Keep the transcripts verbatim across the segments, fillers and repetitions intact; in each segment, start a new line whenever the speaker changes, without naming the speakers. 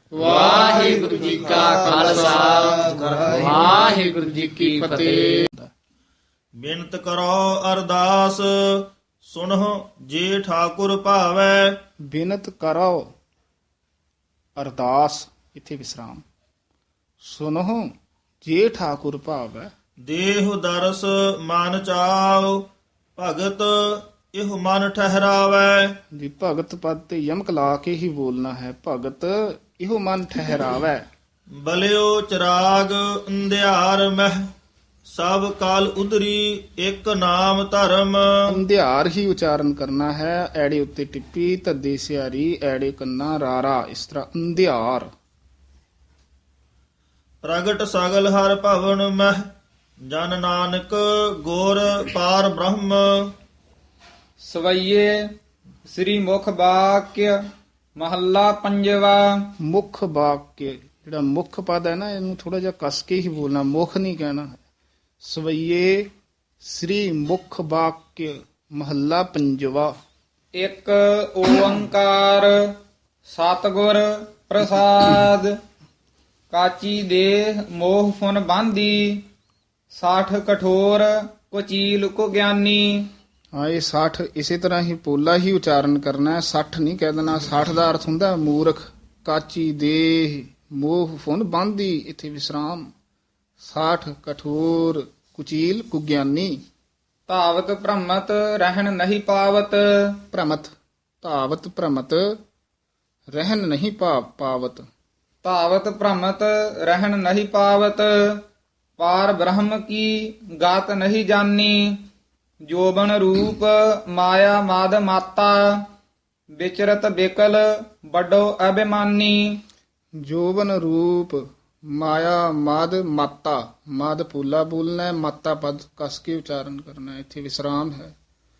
ਵਾਹਿਗੁਰੂ ਜੀ ਕਾ ਖਾਲਸਾ ਵਾਹਿਗੁਰੂ ਜੀ ਕੀ ਫਤਿਹ।
ਬਿਨਤ ਕਰੋ ਅਰਦਾਸ ਸੁਨਹੁ ਜੇ ਠਾਕੁਰ ਭਾਵੈ।
ਬਿਨਤ ਕਰੋ ਅਰਦਾਸ, ਇੱਥੇ ਵਿਸਰਾਮ। ਸੁਨਹੁ ਜੇ ਠਾਕੁਰ ਭਾਵੈ।
ਦੇਹ ਦਰਸ ਮਨ ਚਾਉ ਭਗਤ ਇਹ ਮਨ ਠਹਿਰਾਵੈ।
ਜੀ ਭਗਤ ਪਦ ਤੇ ਯਮਕ ਲਾ ਕੇ ਹੀ ਬੋਲਣਾ ਹੈ। ਭਗਤ ਇਹੋ ਮਨ ਠਹਿਰਾਵੈ।
ਬਲਿਓ ਚਰਾਗ ਅੰਧਿਆਰ ਮਹਿ ਸਭ ਕਾਲ ਉਦਰੀ ਇੱਕ ਨਾਮ ਧਰਮ।
ਅੰਧਿਆਰ ਹੀ ਉਚਾਰਨ ਕਰਨਾ ਹੈ। ਐੜੇ ਉੱਤੇ ਟਿੱਪੀ, ਧੱਦੇ ਸਿਆਰੀ, ਐੜੇ ਕੰਨਾ ਰਾਰਾ, ਇਸ ਤਰ੍ਹਾਂ ਅੰਧਿਆਰ।
ਪ੍ਰਗਟ ਸਗਲ ਹਰ ਭਵਨ ਮਹਿ ਜਨ ਨਾਨਕ ਗੁਰ ਪਾਰ ਬ੍ਰਹਮ।
ਸਵਈਏ ਸ੍ਰੀ ਮੁਖ ਵਾਕਿਆ ਮਹੱਲਾ ਪੰਜਵਾ।
ਮੁੱਖ ਵਾਕਿਆ, ਜਿਹੜਾ ਮੁੱਖ ਪਦ ਹੈ ਨਾ, ਇਹਨੂੰ ਥੋੜਾ ਜਿਹਾ ਕੱਸ ਕੇ ਹੀ ਬੋਲਣਾ, ਮੁੱਖ ਨਹੀਂ ਕਹਿਣਾ ਹੈ। ਸਵਈਏ ਸ੍ਰੀ ਮੁਖ ਵਾਕਿਆ ਮਹੱਲਾ ਪੰਜਵਾ।
ਇੱਕ ਓੰਕਾਰ ਸਤਿਗੁਰ ਪ੍ਰਸਾਦ। ਕਾਚੀ ਦੇਹ ਮੋਹ ਫੁਨ ਬਾਂਦੀ ਸਾਠ ਕਠੋਰ ਕੁਚੀਲ ਕੋ ਗਿਆਨੀ।
ਹਾਂ, ਇਹ ਸੱਠ ਇਸੇ ਤਰ੍ਹਾਂ ਹੀ ਪੋਲਾ ਹੀ ਉਚਾਰਨ ਕਰਨਾ ਹੈ। ਸੱਠ ਨਹੀਂ ਕਹਿ ਦੇਣਾ। ਸੱਠ ਦਾ ਅਰਥ ਹੁੰਦਾ ਮੂਰਖ। ਕਾਚੀ ਦੇਹ ਮੋਹ ਫੁਨ ਬਾਂਦੀ, ਇੱਥੇ ਵਿਸਰਾਮ। ਸਾਠ ਕਠੋਰ ਕੁਚੀਲ ਕੁਗਿਆਨੀ।
ਧਾਵਤ ਭ੍ਰਮਤ ਰਹਿਣ ਨਹੀਂ ਪਾਵਤ।
ਭ੍ਰਮਤ ਧਾਵਤ ਭ੍ਰਮਤ ਰਹਿਨ ਨਹੀਂ ਪਾ ਪਾਵਤ।
ਧਾਵਤ ਭ੍ਰਮਤ ਰਹਿਣ ਨਹੀਂ ਪਾਵਤ। ਪਾਰ ਬ੍ਰਹਮ ਕੀ ਗਾਤ ਨਹੀਂ ਜਾਨੀ। ਜੋਬਨ ਰੂਪ ਮਾਇਆ ਮਾਦ ਮਾਤਾ ਵਿਚਰਤ ਬਿਕਲ ਵੱਡੋ ਅਭਿਮਾਨੀ।
ਜੋਬਨ ਰੂਪ ਮਾਇਆ ਮਾਦ ਮਾਤਾ, ਮਾਦ ਪੂਲਾ ਬੋਲਣਾ ਹੈ, ਮਾਤਾ ਪਦ ਕਸ ਕੇ ਉਚਾਰਨ ਕਰਨਾ ਹੈ। ਇੱਥੇ ਵਿਸਰਾਮ ਹੈ।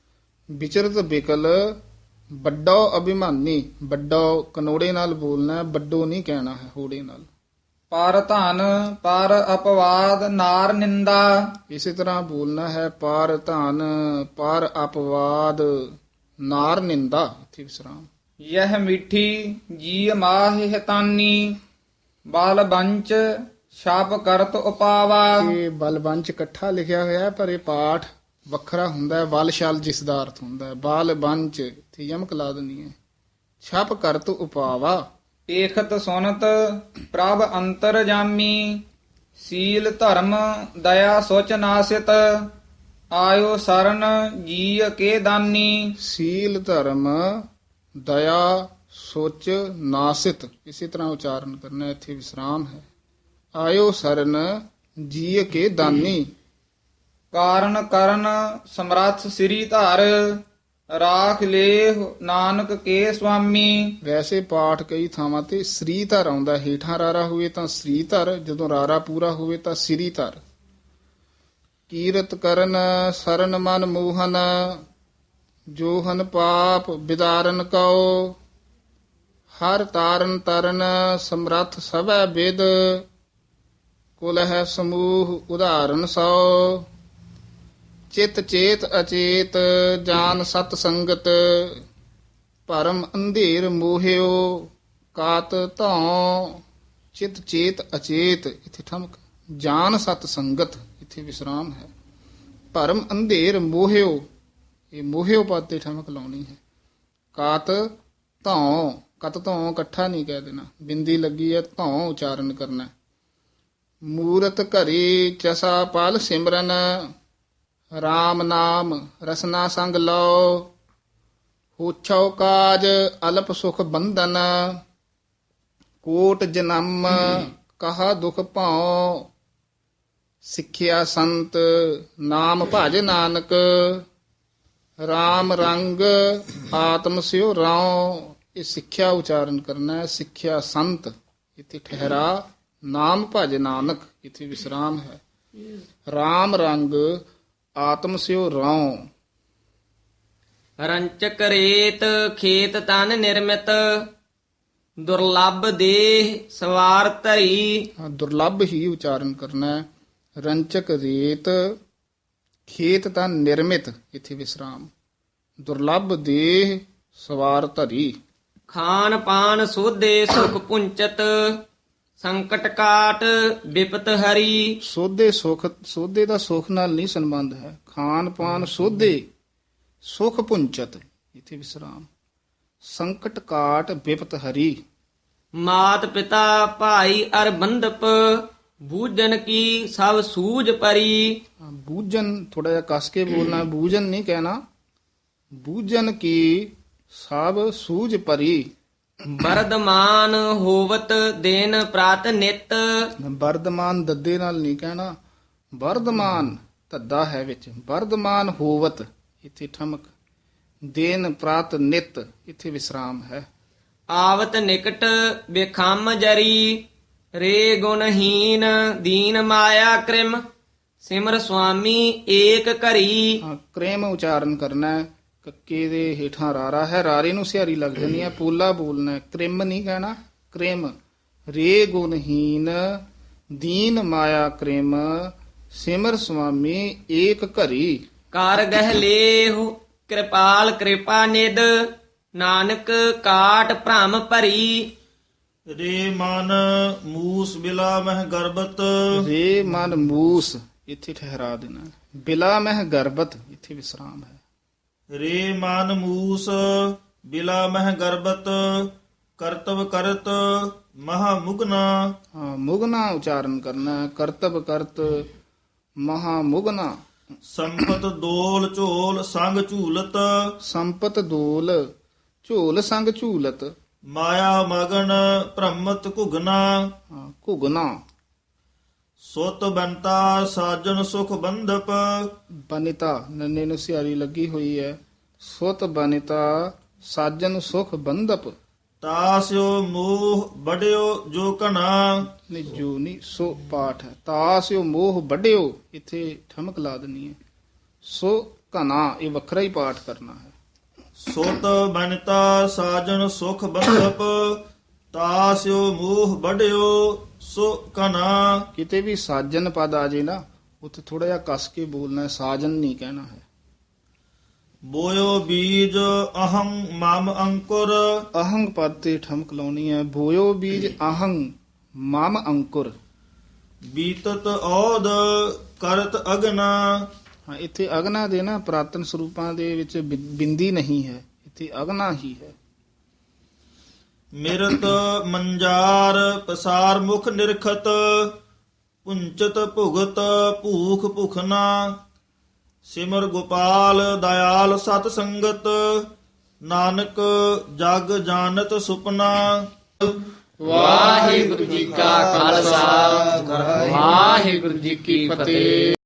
ਵਿਚਰਤ ਬਿਕਲ ਵੱਡੋ ਅਭਿਮਾਨੀ, ਵੱਡੋ ਕਨੋੜੇ ਨਾਲ ਬੋਲਣਾ ਹੈ, ਵੱਡੋ ਨਹੀਂ ਕਹਿਣਾ ਹੈ, ਹੋੜੇ ਨਾਲ।
ਪਰ ਧਨ ਪਰ ਅਪਵਾਦ ਨਾਰ ਨਿੰਦਾ।
ਇਸੇ ਤਰ੍ਹਾਂ ਬੋਲਣਾ ਹੈ। ਪਾਰ ਧਨ ਪਾਰ ਅਪਵਾਦ ਨਾਰ ਨਿੰਦਾ, ਇੱਥੇ ਵਿਸਰਾਮ।
ਯਹ ਮਿੱਠੀ ਜੀ ਮਾਹਿ ਹਤਾਨੀ। ਬਾਲ ਬੰਚ ਛਾਪ ਕਰਤ ਉਪਾਵਾ।
ਇਹ ਬਲਬੰਚ ਇਕੱਠਾ ਲਿਖਿਆ ਹੋਇਆ ਹੈ, ਪਰ ਇਹ ਪਾਠ ਵੱਖਰਾ ਹੁੰਦਾ ਹੈ। ਬਲ ਸ਼ਲ ਜਿਸ ਦਾ ਅਰਥ ਹੁੰਦਾ ਹੈ। ਬਾਲ ਬੰਚ, ਇੱਥੇ ਯਮਕ ਲਾ ਦੇਣੀ ਹੈ। ਛਪ ਕਰਤ ਉਪਾਵਾ।
ਏਖਤ ਸੁਨਤ ਪ੍ਰਭ ਅੰਤਰ ਜਾਮੀ। ਸੀਲ ਧਰਮ ਦਇਆ ਸੁਚ ਨਾਸਿਤ। ਆਇਓ ਸਰਨ ਜੀ ਕੇ ਦਾਨੀ।
ਸੀਲ ਧਰਮ ਦਇਆ ਸੋਚ ਨਾਸਿਤ, ਇਸੇ ਤਰ੍ਹਾਂ ਉਚਾਰਨ ਕਰਨਾ ਹੈ। ਇੱਥੇ ਵਿਸਰਾਮ ਹੈ। ਆਇਓ ਸਰਨ ਜੀ ਕੇ ਦਾਨੀ।
ਕਾਰਨ ਕਰਨ ਸਮਰੱਥ ਸ੍ਰੀ ਧਰ। ਰਾਖ ਲੇਹ ਨਾਨਕ ਕੇ ਸੁਆਮੀ।
ਵੈਸੇ ਪਾਠ ਕਈ ਥਾਵਾਂ ਤੇ ਸ੍ਰੀ ਧਰ ਆਉਂਦਾ। ਹੇਠਾਂ ਰਾਰਾ ਹੋਵੇ ਤਾਂ ਸ੍ਰੀ ਧਰ, ਜਦੋਂ ਰਾਰਾ ਪੂਰਾ ਹੋਵੇ ਤਾਂ ਸ੍ਰੀ ਧਰ। ਕੀਰਤ ਕਰਨ ਸਰਨ ਮਨ ਮੋਹਨ। ਜੋਹਨ ਪਾਪ ਵਿਦਾਰਨ ਕਉ। ਹਰ ਤਾਰਨ ਤਰਨ ਸਮਰੱਥ ਸਭੈ ਵਿਦ। ਕੁਲ ਹੈ ਸਮੂਹ ਉਦਾਹਰਨ ਸੋ। ਚਿਤ ਚੇਤ ਅਚੇਤ ਜਾਨ ਸਤ ਸੰਗਤ। ਭਰਮ ਅੰਧੇਰ ਮੋਹਿਓ ਕਾਤ ਧੌ। ਚਿਤ ਚੇਤ ਅਚੇਤ, ਇੱਥੇ ਠਮਕ। ਜਾਨ ਸਤ ਸੰਗਤ, ਇੱਥੇ ਵਿਸਰਾਮ ਹੈ। ਭਰਮ ਅੰਧੇਰ ਮੋਹਿਓ, ਇਹ ਮੋਹਿਓ ਪਦ ਤੇ ਠਮਕ ਲਾਉਣੀ ਹੈ। ਕਾਤ ਧੌ, ਕਤ ਧੌ ਇਕੱਠਾ ਨਹੀਂ ਕਹਿ ਦੇਣਾ। ਬਿੰਦੀ ਲੱਗੀ ਹੈ, ਧੌ ਉਚਾਰਨ ਕਰਨਾ। ਮੂਰਤ ਘਰੀ ਚਸਾ ਪਲ ਸਿਮਰਨ। ਰਾਮ ਨਾਮ ਰਸਨਾ ਸੰਗ ਲਓ। ਹੋਛੋ ਕਾਜ ਅਲਪ ਸੁਖ ਬੰਧਨ। ਕੋਟ ਜਨਮ ਕਹਾ ਦੁਖ ਭਾਉ। ਸਿੱਖਿਆ ਸੰਤ ਨਾਮ ਭਜ ਨਾਨਕ। ਰਾਮ ਰੰਗ ਆਤਮ ਸਿਉ ਰਾਉ। ਇਹ ਸਿੱਖਿਆ ਉਚਾਰਨ ਕਰਨਾ ਹੈ। ਸਿੱਖਿਆ ਸੰਤ, ਇੱਥੇ ਠਹਿਰਾ। ਨਾਮ ਭਜ ਨਾਨਕ, ਇੱਥੇ ਵਿਸਰਾਮ ਹੈ। ਰਾਮ ਰੰਗ ਆਤਮ ਸਿਉ ਰਾਉ।
ਰੰਚਕ ਰੇਤ ਖੇਤ ਤਨ ਨਿਰਮਿਤ। ਦੁਰਲੱਭ ਦੇਹ ਸਵਾਰ ਧਰੀ।
ਹਾਂ, ਦੁਰਲੱਭ ਹੀ ਉਚਾਰਨ ਕਰਨਾ ਹੈ। ਰੰਚਕ ਰੇਤ ਖੇਤ ਤਾਂ ਨਿਰਮਿਤ, ਇੱਥੇ ਵਿਸਰਾਮ। ਦੁਰਲੱਭ ਦੇਹ ਸਵਾਰ ਧਰੀ।
ਖਾਨ ਪਾਨ ਸੋਧੇ ਸੁਖ ਪੁੰਚਤ ਸੰਕਟ ਕਾਟ ਬਿਪਤ ਹਰੀ।
ਸੋਧੇ ਸੁਖ, ਸੋਧੇ ਦਾ ਸੁਖ ਨਾਲ ਨਹੀਂ ਸੰਬੰਧ ਹੈ। ਖਾਨ ਪਾਨ ਸੋਧੇ ਸੁਖ ਪੁੰਚਤ, ਇਥੇ ਵਿਸਰਾਮ। ਸੰਕਟ ਕਾਟ ਬਿਪਤ ਹਰੀ।
ਮਾਤ ਪਿਤਾ ਭਾਈ ਅਰ ਬੰਧਪ ਬੂਝਨ ਕੀ ਸਭ ਸੂਝ ਪਰੀ।
ਬੂਝਨ ਥੋੜਾ ਜਿਹਾ ਕਸ ਕੇ ਬੋਲਣਾ, ਬੂਝਨ ਨਹੀਂ ਕਹਿਣਾ। ਬੂਝਨ ਕੀ ਸਭ ਸੂਝ ਭਰੀ।
ਵਰਦਮਾਨ ਹੋਵਤ ਦਿਨ ਪ੍ਰਾਤ ਨਿਤ।
ਵਰਦਮਾਨ ਦੱਦੇ ਨਾਲ ਨਹੀਂ ਕਹਿਣਾ। ਵਰਦਮਾਨ ਧੱਦਾ ਹੈ ਵਿੱਚ। ਵਰਦਮਾਨ ਹੋਵਤ, ਇੱਥੇ ਠਮਕ। ਦਿਨ ਪ੍ਰਾਤ ਨਿਤ, ਇੱਥੇ ਵਿਸਰਾਮ ਹੈ।
ਆਵਤ ਨਿਕਟ ਬਿਖਮ ਜਰੀ ਰੇ ਗੁਣਹੀਨ ਦੀਨ ਮਾਇਆ ਕ੍ਰਿਮ ਸਿਮਰ ਸੁਆਮੀ ਏਕ ਘਰੀ।
ਹਾਂ, ਕ੍ਰੇਮ ਉਚਾਰਨ ਕਰਨਾ ਹੈ। ਕੱਕੇ ਦੇ ਹੇਠਾਂ ਰਾਰਾ ਹੈ, ਰਾਰੇ ਨੂੰ ਸਿਹਾਰੀ ਲੱਗ ਜਾਂਦੀ ਹੈ। ਪੋਲਾ ਬੋਲਣਾ ਹੈ, ਕ੍ਰਿਮ ਨਹੀਂ ਕਹਿਣਾ। ਕ੍ਰਿਮ। ਰੇ ਗੁਣਹੀਨ ਦੀਨ ਮਾਇਆ ਕ੍ਰਿਮ ਸਿਮਰ ਸੁਆਮੀ ਏਕ ਘਰੀ।
ਕਰ ਗਹਿ ਲੇਹੁ ਕਿਰਪਾਲ ਕਿਰਪਾ ਨਿਦ ਨਾਨਕ ਕਾਟ ਭ੍ਰਮ ਭਰੀ।
ਰੇ ਮਨ ਮੂਸ ਬਿਲਾ ਮਹਿ ਗਰਬਤ।
ਰੇ ਮਨ ਮੂਸ, ਇੱਥੇ ਠਹਿਰਾ ਦੇਣਾ। ਬਿਲਾ ਮਹਿ ਗਰਬਤ, ਇੱਥੇ ਵਿਸਰਾਮ ਹੈ।
ਰੇ ਮਨ ਮੂਸ ਬਿਲਾ ਮਹਿ ਗਰਬਤ ਕਰਤਵ ਕਰਤ ਮਹਾ ਮੁਗਨਾ।
ਹਾਂ, ਮੁਗਨਾ ਉਚਾਰਨ ਕਰਨਾ ਹੈ। ਕਰਤਬ ਕਰਤ ਮਹਾ ਮੁਗਨਾ।
ਸੰਪਤ ਦੋਲ ਝੋਲ ਸੰਗ ਝੂਲਤ।
ਸੰਪਤ ਦੋਲ ਝੋਲ ਸੰਗ ਝੂਲਤ।
ਮਾਇਆ ਮਗਨ ਭ੍ਰਮਤ ਘੁਗਨਾ।
ਹਾਂ, ਘੁਗਨਾ।
ਸੁਤ ਬੰਤਾ ਸਾਜਨ ਸੁਖ ਬੰਧਪ।
ਬਨਿਤਾ ਨੰਨੇ ਨੂੰ ਸਿਹਾਰੀ ਲੱਗੀ ਹੋਈ ਹੈ। ਸੁਤ ਬਨਿਤਾ ਸਾਜਨ ਸੁਖ ਬੰਧਪ।
ਤਾਸਿਓ ਮੋਹ ਬੜਿਓ ਜੋ ਕਣਾ।
ਨਹੀਂ, ਜੋ ਨਹੀਂ, ਸੋ ਪਾਠ ਹੈ। ਤਾਸਿਓ ਮੋਹ ਵੱਡਿਓ, ਇੱਥੇ ਠਮਕ ਲਾ ਦੇਣੀ ਹੈ। ਸੋ ਘਨਾ, ਇਹ ਵੱਖਰਾ ਹੀ ਪਾਠ ਕਰਨਾ ਹੈ।
ਸੁਤ ਬਨਤਾ ਸਾਜਨ ਸੁਖ ਬੰਧਪ ਤਾਸਿਓ ਮੋਹ ਬੜਿਓ ਸੋ ਕਨਾ।
ਕਿਤੇ ਵੀ ਸਾਜਨ ਪਦ ਆ ਜੇ ਨਾ, ਉੱਥੇ ਥੋੜਾ ਜਿਹਾ ਕਸ ਕੇ ਬੋਲਣਾ ਹੈ। ਸਾਜਨ ਨਹੀਂ ਕਹਿਣਾ ਹੈ।
ਬੋਇਓ ਬੀਜ ਅਹੰ ਮਮ ਅੰਕੁਰ।
ਅਹੰਗ ਪਦ ਤੇ ਠਮਕ ਲਾਉਣੀ ਹੈ। ਬੋਇਓ ਬੀਜ ਅਹੰਗ ਮਮ ਅੰਕੁਰ।
ਬੀਤਤ ਔਦ ਕਰਤ ਅਗਨਾ।
ਹਾਂ, ਇੱਥੇ ਅਗਨਾ ਦੇ ਨਾ ਪ੍ਰਾਤਨ ਸਰੂਪਾਂ ਦੇ ਵਿੱਚ ਬਿ- ਬਿੰਦੀ ਨਹੀਂ ਹੈ। ਇੱਥੇ ਅਗਨਾ ਹੀ ਹੈ।
ਮਿਰਤ ਮੰਜਾਰ ਪਸਾਰ ਮੁਖ ਨਿਰਖਤ ਪੁੰਚਤ ਭੁਗਤ ਭੂਖ ਭੁਖਨਾ। ਸਿਮਰ ਗੋਪਾਲ ਦਇਆਲ ਸਤ ਸੰਗਤ ਨਾਨਕ ਜਗ ਜਾਣਤ ਸੁਪਨਾ।
ਵਾਹਿਗੁਰੂ ਜੀ ਕਾ ਖਾਲਸਾ ਵਾਹਿਗੁਰੂ ਜੀ ਕੀ ਫਤਿਹ।